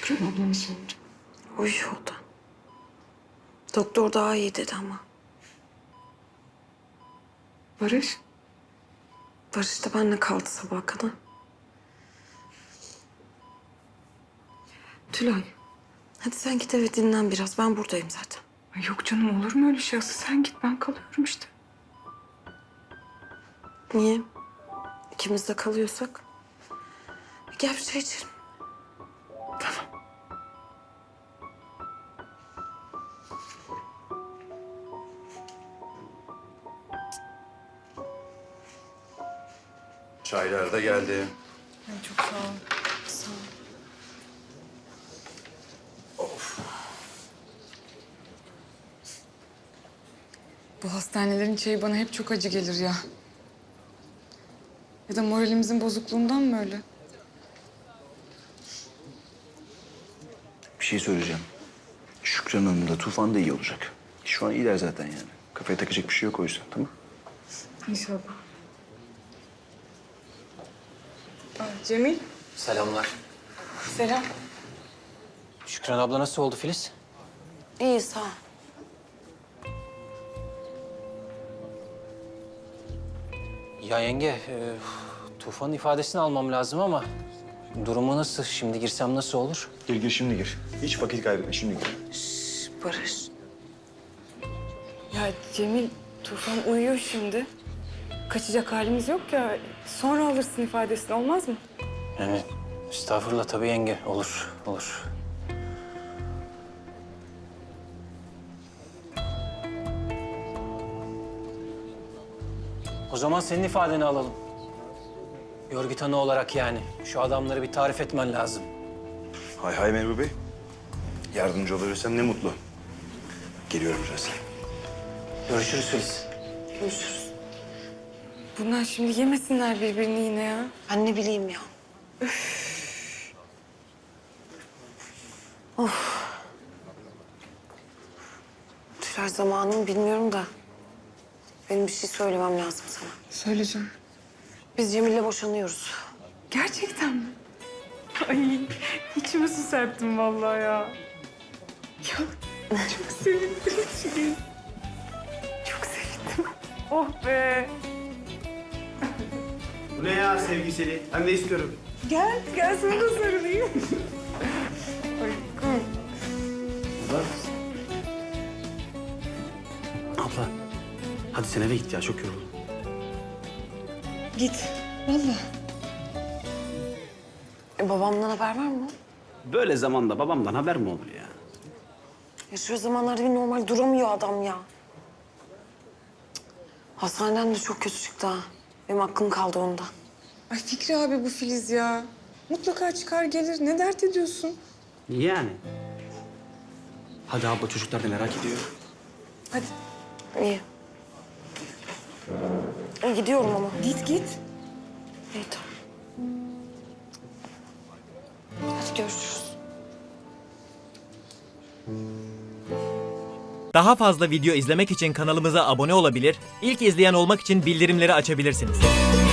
Şükran abla nasıl oldu? Uyuyor o da. Doktor daha iyi dedi ama. Barış? Barış da benimle kaldı sabaha kadar. Tülay. Hadi sen git eve dinlen biraz. Ben buradayım zaten. Ay yok canım, olur mu öyle şey? Asıl sen git, ben kalıyorum işte. Niye? İkimiz de kalıyorsak. Gel bir çay içelim. Tamam. Çaylar da geldi. Ay çok sağ ol. Sağ ol. Bu hastanelerin çayı bana hep çok acı gelir ya. Ya da moralimizin bozukluğundan mı öyle? Bir şey söyleyeceğim. Şükran Hanım da Tufan da iyi olacak. Şu an iyiler zaten yani. Kafaya takacak bir şey yok o yüzden, tamam? İnşallah. Cemil. Selamlar. Selam. Şükran abla nasıl oldu Filiz? İyi sağ ol. Ya yenge, Tufan'ın ifadesini almam lazım ama durumu nasıl? Şimdi girsem nasıl olur? Gir şimdi gir. Hiç vakit kaybetme şimdi gir. Barış. Ya Cemil, Tufan uyuyor şimdi. Kaçacak halimiz yok ya. Sonra alırsın ifadesini, olmaz mı? Yani estağfurullah tabii yenge. Olur, olur. O zaman senin ifadeni alalım. Görgü tanığı olarak yani. Şu adamları bir tarif etmen lazım. Hay hay Merve Bey. Yardımcı olabilirsem ne mutlu. Geliyorum birazdan. Görüşürüz Filiz. Görüşürüz. Bunlar şimdi yemesinler birbirini yine ya. Ben ne bileyim ya. Of. Tülay zamanını bilmiyorum da. Benim bir şey söylemem lazım sana. Söyleyeceğim. Biz Cemil'le boşanıyoruz. Gerçekten mi? Ay, içime su serptim vallahi ya. Ya çok sevindim Filiz. Çok sevindim. Oh be. Bu ne ya sevgiseli? Ben de istiyorum. Gel, gel sana da sarılayım. Ay, kum. Abla, hadi sen eve git ya. Çok yoruldum. Git, vallahi. Babamdan haber var mı? Böyle zamanda babamdan haber mi olur ya? Ya şu zamanlarda bir normal duramıyor adam ya. Cık. Hastaneden de çok kötü çıktı ha. Benim aklım kaldı ondan. Ay Fikri abi bu Filiz ya. Mutlaka çıkar gelir. Ne dert ediyorsun? Yani. Hadi abla, çocuklar da merak ediyor. Hadi İyi. Gidiyorum ama. git git. İyi tamam. Hadi görüşürüz. Daha fazla video izlemek için kanalımıza abone olabilir, ilk izleyen olmak için bildirimleri açabilirsiniz.